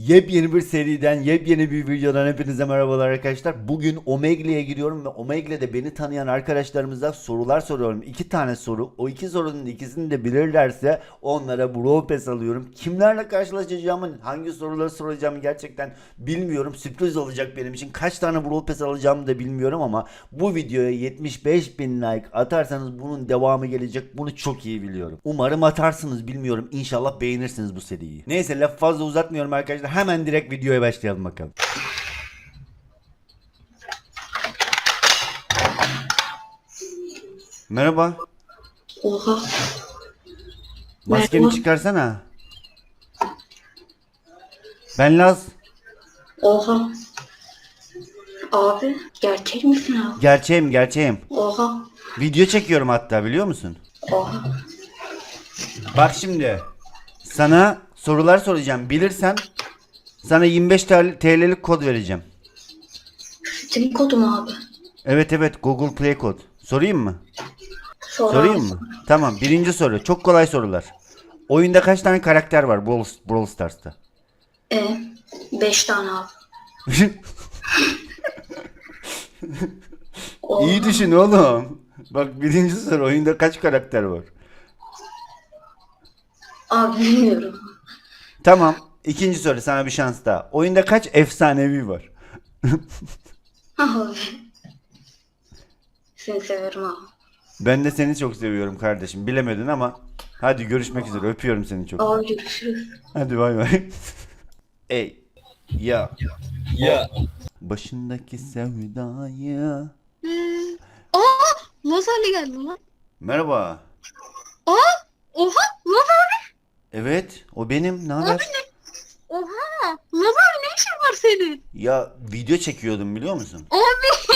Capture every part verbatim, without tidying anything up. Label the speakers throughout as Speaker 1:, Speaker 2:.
Speaker 1: Yepyeni bir seriden, yepyeni bir videodan hepinize merhabalar arkadaşlar. Bugün Omegle'ye giriyorum ve Omegle'de beni tanıyan arkadaşlarımıza sorular soruyorum. İki tane soru. O iki sorunun ikisini de bilirlerse onlara Brawl Pass alıyorum. Kimlerle karşılaşacağımı, hangi soruları soracağımı gerçekten bilmiyorum. Sürpriz olacak benim için. Kaç tane Brawl Pass alacağımı da bilmiyorum ama bu videoya yetmiş beş bin like atarsanız bunun devamı gelecek. Bunu çok iyi biliyorum. Umarım atarsınız, bilmiyorum. İnşallah beğenirsiniz bu seriyi. Neyse, laf fazla uzatmıyorum arkadaşlar. Hemen direkt videoya başlayalım bakalım. Merhaba.
Speaker 2: Oha.
Speaker 1: Maskeni
Speaker 2: Merhaba.
Speaker 1: çıkarsana. Ben Laz.
Speaker 2: Oha. Abi gerçek misin abi?
Speaker 1: Gerçeğim gerçeğim.
Speaker 2: Oha.
Speaker 1: Video çekiyorum hatta, biliyor musun?
Speaker 2: Oha.
Speaker 1: Bak şimdi. Sana sorular soracağım. Bilirsen sana yirmi beş T L'lik kod vereceğim.
Speaker 2: Steam kodu mu abi?
Speaker 1: Evet evet, Google Play kod. Sorayım mı?
Speaker 2: Sonra
Speaker 1: Sorayım mı? Tamam, birinci soru. Çok kolay sorular. Oyunda kaç tane karakter var Brawl, Brawl Stars'ta?
Speaker 2: E, beş tane abi. Oha.
Speaker 1: İyi düşün oğlum. Bak, birinci soru, oyunda kaç karakter var?
Speaker 2: Abi bilmiyorum.
Speaker 1: Tamam. İkinci soru, sana bir şans daha. Oyunda kaç efsanevi var?
Speaker 2: Abi. Seni severim abi.
Speaker 1: Ben de seni çok seviyorum kardeşim. Bilemedin ama hadi görüşmek üzere. Öpüyorum seni çok.
Speaker 2: Abi görüşürüz.
Speaker 1: Hadi bay bay. Ey ya
Speaker 3: Ya.
Speaker 1: başındaki sevdayı.
Speaker 4: Aa! Lazer'le geldi lan.
Speaker 1: Merhaba.
Speaker 4: Aa! Oha! Lazer!
Speaker 1: Evet, o benim. Ne haber?
Speaker 4: Oha! Lazer ne işin var senin?
Speaker 1: Ya video çekiyordum, biliyor musun?
Speaker 4: Abi!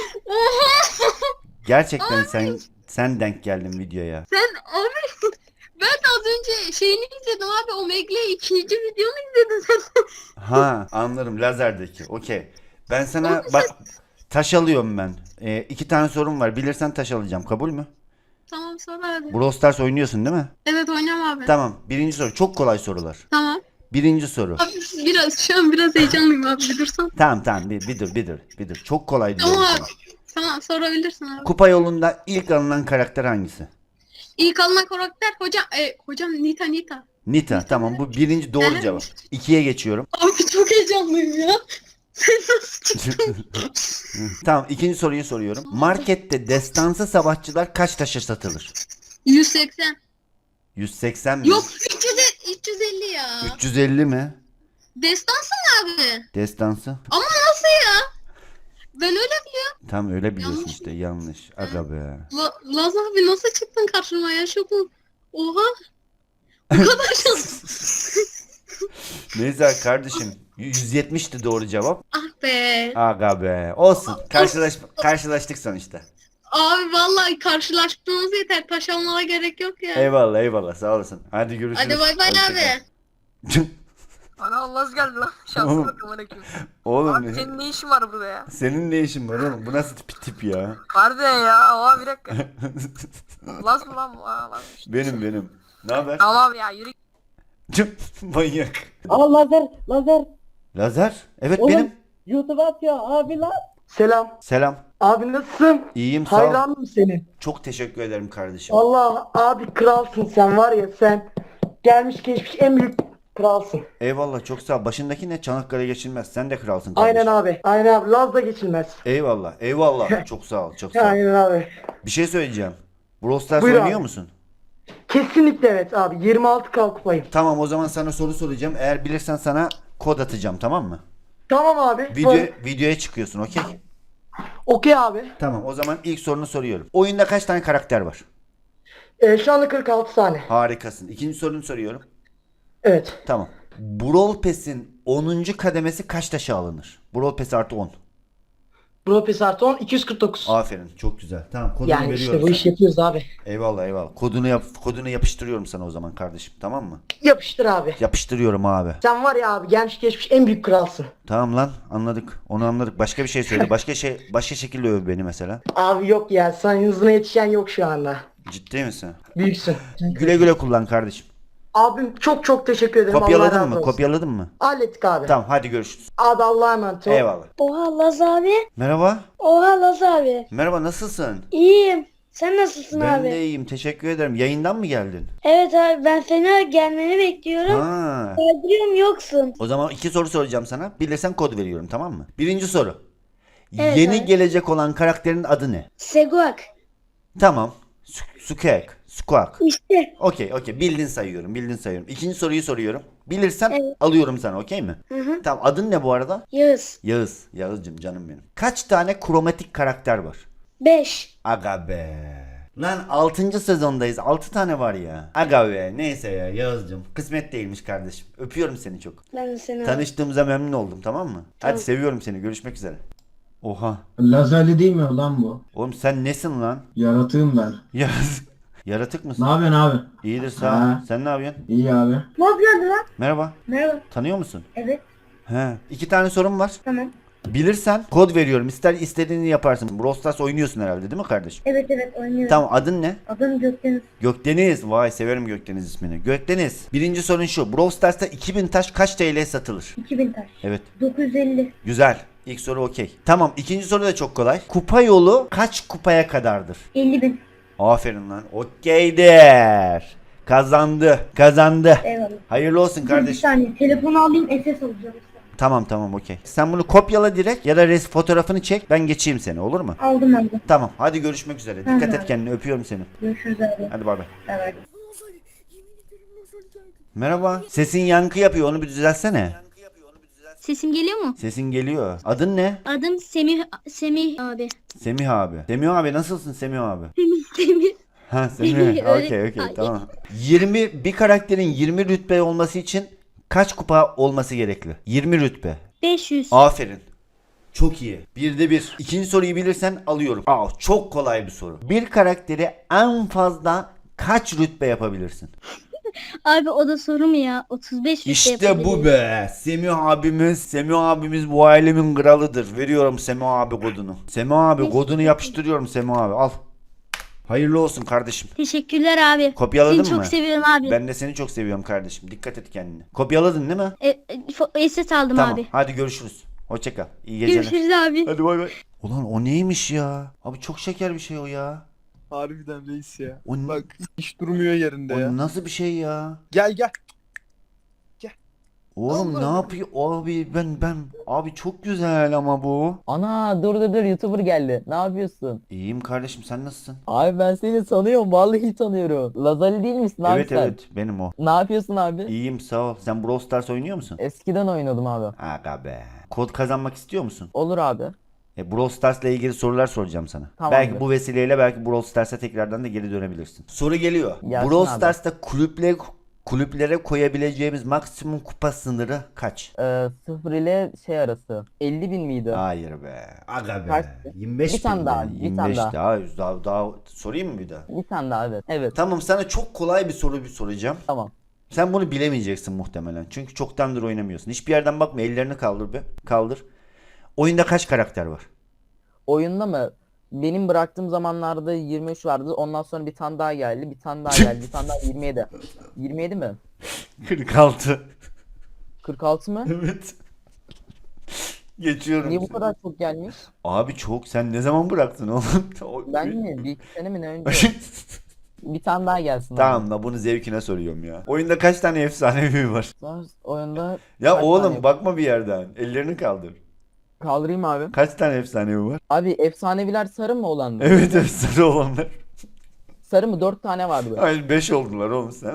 Speaker 4: Oha!
Speaker 1: Gerçekten sen sen denk geldin videoya.
Speaker 4: Sen abi ben de az önce şeyini izledim abi. Omegle ikinci videonu izledin sen.
Speaker 1: Ha, anlarım, lazerdeki. Okey. Ben sana bak, taş alıyorum ben. Ee, iki tane sorum var. Bilirsen taş alacağım. Kabul mü?
Speaker 4: Tamam sonra hadi.
Speaker 1: Brawl Stars oynuyorsun değil mi?
Speaker 4: Evet oynayalım abi.
Speaker 1: Tamam. Birinci soru. Çok kolay sorular.
Speaker 4: Tamam.
Speaker 1: Birinci soru.
Speaker 4: Abi biraz şu an biraz heyecanlıyım abi bir dursan.
Speaker 1: Tamam tamam, bir, bir dur bir dur bir dur. Çok kolay diyorum
Speaker 4: Tamam
Speaker 1: sana.
Speaker 4: abi. Tamam sorabilirsin abi.
Speaker 1: Kupa yolunda ilk alınan karakter hangisi?
Speaker 4: İlk alınan karakter hocam e, hocam Nita Nita.
Speaker 1: Nita. Tamam, bu birinci doğru
Speaker 4: Evet.
Speaker 1: cevap. İkiye geçiyorum.
Speaker 4: Abi çok heyecanlıyım ya. Sen nasıl çıktın?
Speaker 1: Tamam, ikinci soruyu soruyorum. Markette destansı savaşçılar kaç taşa satılır?
Speaker 4: yüz seksen.
Speaker 1: yüz seksen mi?
Speaker 4: Yok üç yüz, üç yüz elli ya.
Speaker 1: üç yüz elli mi?
Speaker 4: Destansı mı abi?
Speaker 1: Destansı.
Speaker 4: Ama nasıl ya? Ben öyle biliyorum.
Speaker 1: Tam öyle biliyorsun
Speaker 4: Yanlış
Speaker 1: işte, yanlış. Aga be.
Speaker 4: La, Laz abi nasıl çıktın karşıma ya şokum. Oha. Bu kadar şans.
Speaker 1: Neyse kardeşim, yüz yetmişti doğru cevap.
Speaker 4: Ah be.
Speaker 1: Aga be. Olsun. Karşılaş karşılaştık sonuçta.
Speaker 4: Abi vallahi karşılaştığımız yeter. Taş almana gerek yok ya.
Speaker 1: Eyvallah eyvallah, sağ olasın. Hadi görüşürüz.
Speaker 4: Hadi bay bay
Speaker 1: Hoşça
Speaker 4: abi.
Speaker 1: kal.
Speaker 3: Ana Allah geldi lan. Şanslı
Speaker 1: Oğlum.
Speaker 3: bakalım aleyküm.
Speaker 1: Oğlum
Speaker 3: Abi
Speaker 1: ne-
Speaker 3: senin ne işin var burada ya?
Speaker 1: senin ne işin var oğlum? Bu nasıl tip tip ya?
Speaker 3: Harbiden ya. Oha bir dakika. Las mı lan bu? Aa, lan.
Speaker 1: Benim benim. Ne haber?
Speaker 3: Tamam abi ya yürü.
Speaker 1: Manyak.
Speaker 5: Aa lazer, lazer.
Speaker 1: Lazer? Evet
Speaker 5: Oğlum,
Speaker 1: benim.
Speaker 5: YouTube atıyor abi lan. Selam.
Speaker 1: Selam.
Speaker 5: Abi nasılsın?
Speaker 1: İyiyim, sağ ol.
Speaker 5: Hayranım senin.
Speaker 1: Çok teşekkür ederim kardeşim.
Speaker 5: Allah abi kralsın sen var ya sen. Gelmiş geçmiş en büyük kralsın.
Speaker 1: Eyvallah, çok sağ ol. Başındaki ne? Çanakkale geçilmez. Sen de kralsın kardeşim.
Speaker 5: Aynen abi. Aynen abi. Laz da geçilmez.
Speaker 1: Eyvallah. Eyvallah. Çok sağ ol. Çok sağ ol.
Speaker 5: Aynen abi.
Speaker 1: Bir şey söyleyeceğim. Brawl Stars
Speaker 5: Buyur
Speaker 1: oynuyor
Speaker 5: abi.
Speaker 1: musun?
Speaker 5: Kesinlikle evet abi. yirmi altı K kupayım.
Speaker 1: Tamam, o zaman sana soru soracağım. Eğer bilirsen sana kod atacağım, tamam mı?
Speaker 5: Tamam abi.
Speaker 1: Video,
Speaker 5: Sor.
Speaker 1: videoya çıkıyorsun, okey?
Speaker 5: Okey abi.
Speaker 1: Tamam, o zaman ilk sorunu soruyorum. Oyunda kaç tane karakter var?
Speaker 5: Ee, şu anda kırk altı tane.
Speaker 1: Harikasın. İkinci sorunu soruyorum.
Speaker 5: Evet.
Speaker 1: Tamam. Brawl Pass'in onuncu kademesi kaç taşa alınır? Brawl Pass artı on.
Speaker 5: Bro Pes artı on iki yüz kırk dokuz.
Speaker 1: Aferin, çok güzel. Tamam, kodunu
Speaker 5: Yani
Speaker 1: veriyorum
Speaker 5: işte bu
Speaker 1: sana.
Speaker 5: işi yapıyoruz abi.
Speaker 1: Eyvallah eyvallah. Kodunu yap, kodunu yapıştırıyorum sana o zaman kardeşim, tamam mı?
Speaker 5: Yapıştır abi.
Speaker 1: Yapıştırıyorum abi.
Speaker 5: Sen var ya abi gelmiş geçmiş en büyük kralsın.
Speaker 1: Tamam lan, anladık. Onu anladık. Başka bir şey söyle. Başka şey, başka şekilde öv beni mesela.
Speaker 5: Abi yok ya sen hızına yetişen yok şu anda.
Speaker 1: Ciddi misin?
Speaker 5: Büyüksün.
Speaker 1: Güle güle kullan kardeşim.
Speaker 5: Abim çok çok teşekkür ederim. Allah
Speaker 1: Kopyaladın
Speaker 5: razı
Speaker 1: mı?
Speaker 5: olsun.
Speaker 1: Kopyaladın mı?
Speaker 5: Hallettik abi.
Speaker 1: Tamam hadi görüşürüz.
Speaker 5: Abi Allah'a emanet ol.
Speaker 1: Eyvallah.
Speaker 6: Oha Laz abi.
Speaker 1: Merhaba.
Speaker 6: Oha Laz abi.
Speaker 1: Merhaba nasılsın?
Speaker 6: İyiyim. Sen nasılsın
Speaker 1: Ben
Speaker 6: abi?
Speaker 1: de iyiyim teşekkür ederim. Yayından mı geldin?
Speaker 6: Evet abi ben seni gelmeni bekliyorum.
Speaker 1: Ha.
Speaker 6: Kaydırıyorum yoksun.
Speaker 1: O zaman iki soru soracağım sana. Bilirsen kod veriyorum tamam mı? Birinci soru.
Speaker 6: Evet
Speaker 1: Yeni
Speaker 6: abi.
Speaker 1: gelecek olan karakterin adı ne?
Speaker 6: Seguak.
Speaker 1: Tamam. Su- Sukek. Squawk.
Speaker 6: İşte.
Speaker 1: Okey okey bildin sayıyorum bildin sayıyorum. İkinci soruyu soruyorum. Bilirsen
Speaker 6: Evet.
Speaker 1: alıyorum sana okey mi?
Speaker 6: Hı hı.
Speaker 1: Tamam adın ne bu arada?
Speaker 6: Yağız.
Speaker 1: Yağız. Yağız'cım canım benim. Kaç tane kromatik karakter var?
Speaker 6: Beş.
Speaker 1: Aga be. Lan altıncı sezondayız. altı tane var ya. Aga be. Neyse ya Yağız'cım. Kısmet değilmiş kardeşim. Öpüyorum seni çok.
Speaker 6: Ben de seni abi.
Speaker 1: Tanıştığımıza memnun oldum tamam mı? Hadi
Speaker 6: Tamam.
Speaker 1: seviyorum seni. Görüşmek üzere. Oha.
Speaker 7: Lazerli değil mi lan bu?
Speaker 1: Oğlum sen nesin lan?
Speaker 7: Yaratığım ben.
Speaker 1: Yağız. Yaratık
Speaker 7: Ne
Speaker 1: mısın?
Speaker 7: yapıyorsun abi?
Speaker 1: İyidir sağ ol.
Speaker 7: Ha.
Speaker 1: Sen ne yapıyorsun?
Speaker 7: İyi abi.
Speaker 6: Ne yapıyordun lan?
Speaker 1: Merhaba.
Speaker 6: Merhaba.
Speaker 1: Tanıyor musun?
Speaker 6: Evet.
Speaker 1: He. İki tane sorum var.
Speaker 6: Tamam.
Speaker 1: Bilirsen kod veriyorum. İster istediğini yaparsın. Brawl Stars oynuyorsun herhalde değil mi kardeşim?
Speaker 6: Evet evet oynuyorum.
Speaker 1: Tamam adın ne?
Speaker 6: Adım Gökdeniz.
Speaker 1: Gökdeniz. Vay severim Gökdeniz ismini. Gökdeniz. Birinci sorun şu. Brawl Stars'ta iki bin taş kaç T L'ye satılır?
Speaker 6: iki bin taş.
Speaker 1: Evet.
Speaker 6: dokuz yüz elli.
Speaker 1: Güzel. İlk soru okey. Tamam ikinci soru da çok kolay. Kupa yolu kaç kupaya kadardır?
Speaker 6: elli bin.
Speaker 1: Aferin lan. Okeydir. Kazandı. Kazandı.
Speaker 6: Eyvallah.
Speaker 1: Hayırlı olsun
Speaker 6: Bir
Speaker 1: kardeşim.
Speaker 6: saniye telefonu alayım S S alacağım.
Speaker 1: Tamam tamam okey. Sen bunu kopyala direkt ya da res fotoğrafını çek. Ben geçeyim seni olur mu?
Speaker 6: Aldım aldım.
Speaker 1: Tamam. Hadi görüşmek üzere.
Speaker 6: Tamam
Speaker 1: Dikkat et
Speaker 6: abi.
Speaker 1: kendine. Öpüyorum seni.
Speaker 6: Görüşürüz abi.
Speaker 1: Hadi bay bay.
Speaker 6: Evet.
Speaker 1: Merhaba. Sesin yankı yapıyor. Onu bir düzeltsene.
Speaker 4: Sesim geliyor mu?
Speaker 1: Sesin geliyor. Adın ne?
Speaker 4: Adım Semih Semih abi.
Speaker 1: Semih abi. Semih abi nasılsın Semih abi?
Speaker 4: Semih Semih.
Speaker 1: Ha Semih.
Speaker 4: Öyle-
Speaker 1: Okey okey
Speaker 4: Ay.
Speaker 1: tamam. yirmi bir karakterin yirmi rütbe olması için kaç kupa olması gerekli? yirmi rütbe.
Speaker 4: beş yüz.
Speaker 1: Aferin. Çok iyi. Birde bir. İkinci soruyu bilirsen alıyorum. Aa, çok kolay bir soru. Bir karakteri en fazla kaç rütbe yapabilirsin?
Speaker 4: Abi o da soru mu ya? otuz beş rütbe
Speaker 1: İşte bu
Speaker 4: yapabilirim.
Speaker 1: be. Semih abimiz, Semih abimiz bu ailemin kralıdır. Veriyorum Semih abi kodunu. Semih abi kodunu yapıştırıyorum Semih abi. Al. Hayırlı olsun kardeşim.
Speaker 4: Teşekkürler abi.
Speaker 1: Kopyaladın
Speaker 4: Seni
Speaker 1: mı?
Speaker 4: çok seviyorum abi.
Speaker 1: Ben de seni çok seviyorum kardeşim. Dikkat et kendine. Kopyaladın değil mi?
Speaker 4: E, e, fo- S S aldım
Speaker 1: Tamam.
Speaker 4: abi.
Speaker 1: Hadi görüşürüz. Hoşça kal. İyi geceler.
Speaker 4: Görüşürüz abi.
Speaker 1: Hadi bay bay. Ulan o neymiş ya? Abi çok şeker bir şey o ya.
Speaker 8: Harbiden reis ya.
Speaker 1: O, n-
Speaker 8: Bak hiç durmuyor yerinde
Speaker 1: o
Speaker 8: ya.
Speaker 1: nasıl bir şey ya?
Speaker 8: Gel gel.
Speaker 1: Oğlum
Speaker 8: Allah
Speaker 1: ne
Speaker 8: Allah.
Speaker 1: yapıyor? Abi ben ben abi çok güzel ama bu.
Speaker 9: Ana dur dur dur YouTuber geldi. Ne yapıyorsun?
Speaker 1: İyiyim kardeşim sen nasılsın?
Speaker 9: Abi ben seni tanıyorum. Vallahi tanıyorum. Lazali değil misin abi
Speaker 1: Evet
Speaker 9: sen?
Speaker 1: evet benim o.
Speaker 9: Ne yapıyorsun abi?
Speaker 1: İyiyim sağ ol. Sen Brawl Stars oynuyor musun?
Speaker 9: Eskiden oynadım abi.
Speaker 1: Aga be. Kod kazanmak istiyor musun?
Speaker 9: Olur abi.
Speaker 1: E, Brawl Stars'la ilgili sorular soracağım sana.
Speaker 9: Tamam
Speaker 1: belki
Speaker 9: abi.
Speaker 1: bu vesileyle belki Brawl Stars'a tekrardan da geri dönebilirsin. Soru geliyor.
Speaker 9: Gelsin
Speaker 1: Brawl
Speaker 9: abi.
Speaker 1: Stars'ta kulüple kulüplere koyabileceğimiz maksimum kupa sınırı kaç?
Speaker 9: Ee, sıfır ile şey arası. elli bin miydi?
Speaker 1: Hayır be. Aga be.
Speaker 9: Kaçtı?
Speaker 1: yirmi beş
Speaker 9: Bir tane
Speaker 1: bin
Speaker 9: daha,
Speaker 1: be.
Speaker 9: bir
Speaker 1: yirmi
Speaker 9: tane
Speaker 1: beş
Speaker 9: daha.
Speaker 1: daha. daha. Daha sorayım mı bir daha?
Speaker 9: Bir tane daha evet. Evet.
Speaker 1: Tamam sana çok kolay bir soru bir soracağım.
Speaker 9: Tamam.
Speaker 1: Sen bunu bilemeyeceksin muhtemelen. Çünkü çoktandır oynamıyorsun. Hiçbir yerden bakma. Ellerini kaldır be. Kaldır. Oyunda kaç karakter var?
Speaker 9: Oyunda mı? Benim bıraktığım zamanlarda yirmi üç vardı. Ondan sonra bir tane daha geldi. Bir tane daha geldi. Bir tane daha yirmi yedi. yirmi yedi mi?
Speaker 1: kırk altı.
Speaker 9: kırk altı mı?
Speaker 1: Evet. Geçiyorum.
Speaker 9: Niye bu
Speaker 1: seni.
Speaker 9: kadar çok gelmiş?
Speaker 1: Abi çok. Sen ne zaman bıraktın oğlum?
Speaker 9: Ben mi? Bir iki sene mi ne önce? Bir tane daha gelsin. abi.
Speaker 1: Tamam da bunu zevkine soruyorum ya. Oyunda kaç tane efsanevi var?
Speaker 9: Sonra oyunda
Speaker 1: Ya
Speaker 9: kaç
Speaker 1: oğlum
Speaker 9: tane-
Speaker 1: bakma bir yerden. Ellerini kaldır.
Speaker 9: Kaldırayım abi.
Speaker 1: Kaç tane efsanevi var?
Speaker 9: Abi efsaneviler sarı mı olan mı?
Speaker 1: Evet efsane olanlar.
Speaker 9: Sarı mı? Dört tane vardı.
Speaker 1: Hayır beş oldular oğlum sen.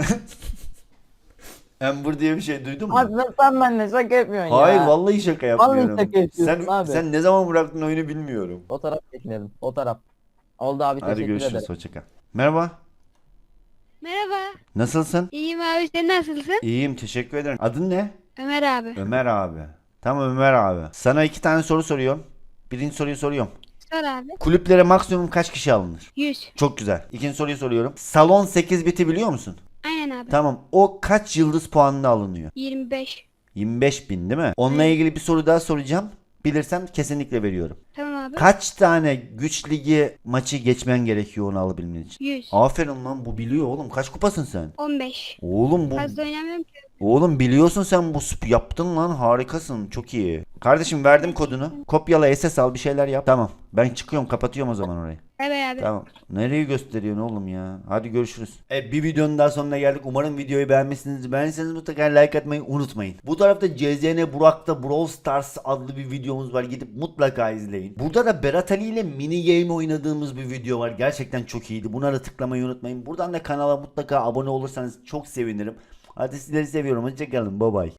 Speaker 1: Amber diye bir şey duydun mu?
Speaker 9: Abi sen- sen benimle şaka yapıyorsun ya.
Speaker 1: Hayır vallahi şaka yapmıyorum.
Speaker 9: Vallahi şaka yapıyorsun
Speaker 1: sen,
Speaker 9: abi.
Speaker 1: sen ne zaman bıraktın oyunu bilmiyorum.
Speaker 9: O taraf bekledim. O taraf. Oldu abi
Speaker 1: Hadi
Speaker 9: teşekkür
Speaker 1: görüşürüz
Speaker 9: ederim.
Speaker 1: hoşça kal. Merhaba.
Speaker 6: Merhaba.
Speaker 1: Nasılsın?
Speaker 6: İyiyim abi sen nasılsın?
Speaker 1: İyiyim teşekkür ederim. Adın ne?
Speaker 6: Ömer abi.
Speaker 1: Ömer abi. Tamam Ömer abi. Sana iki tane soru soruyorum. Birinci soruyu soruyorum.
Speaker 6: Sor abi.
Speaker 1: Kulüplere maksimum kaç kişi alınır?
Speaker 6: yüz.
Speaker 1: Çok güzel. İkinci soruyu soruyorum. Salon sekiz biti biliyor musun?
Speaker 6: Aynen abi.
Speaker 1: Tamam. O kaç yıldız puanına alınıyor?
Speaker 6: yirmi beş.
Speaker 1: yirmi beş bin değil mi? Onunla ilgili bir soru daha soracağım. Bilirsen kesinlikle veriyorum.
Speaker 6: Tamam abi.
Speaker 1: Kaç tane güç ligi maçı geçmen gerekiyor onu alabilmen için?
Speaker 6: yüz.
Speaker 1: Aferin lan, bu biliyor oğlum. Kaç kupasın sen?
Speaker 6: on beş.
Speaker 1: Oğlum bu
Speaker 6: Fazla oynamıyorum ki.
Speaker 1: Oğlum biliyorsun sen, bu sp- yaptın lan, harikasın, çok iyi. Kardeşim verdim kodunu. Kopyala, S S al, bir şeyler yap. Tamam. Ben çıkıyorum, kapatıyorum o zaman orayı.
Speaker 6: Bay bay abi.
Speaker 1: Tamam. Nereyi gösteriyorsun oğlum ya? Hadi görüşürüz. Evet, bir videonun daha sonuna geldik. Umarım videoyu beğenmişsinizdir. Beğendiyseniz mutlaka like atmayı unutmayın. Bu tarafta C Z N Burak'ta Brawl Stars adlı bir videomuz var. Gidip mutlaka izleyin. Burada da Berat Ali ile mini game oynadığımız bir video var. Gerçekten çok iyiydi. Buna da tıklamayı unutmayın. Buradan da kanala mutlaka abone olursanız çok sevinirim. Hadi sizleri seviyorum. Hoşçakalın. Bye bye.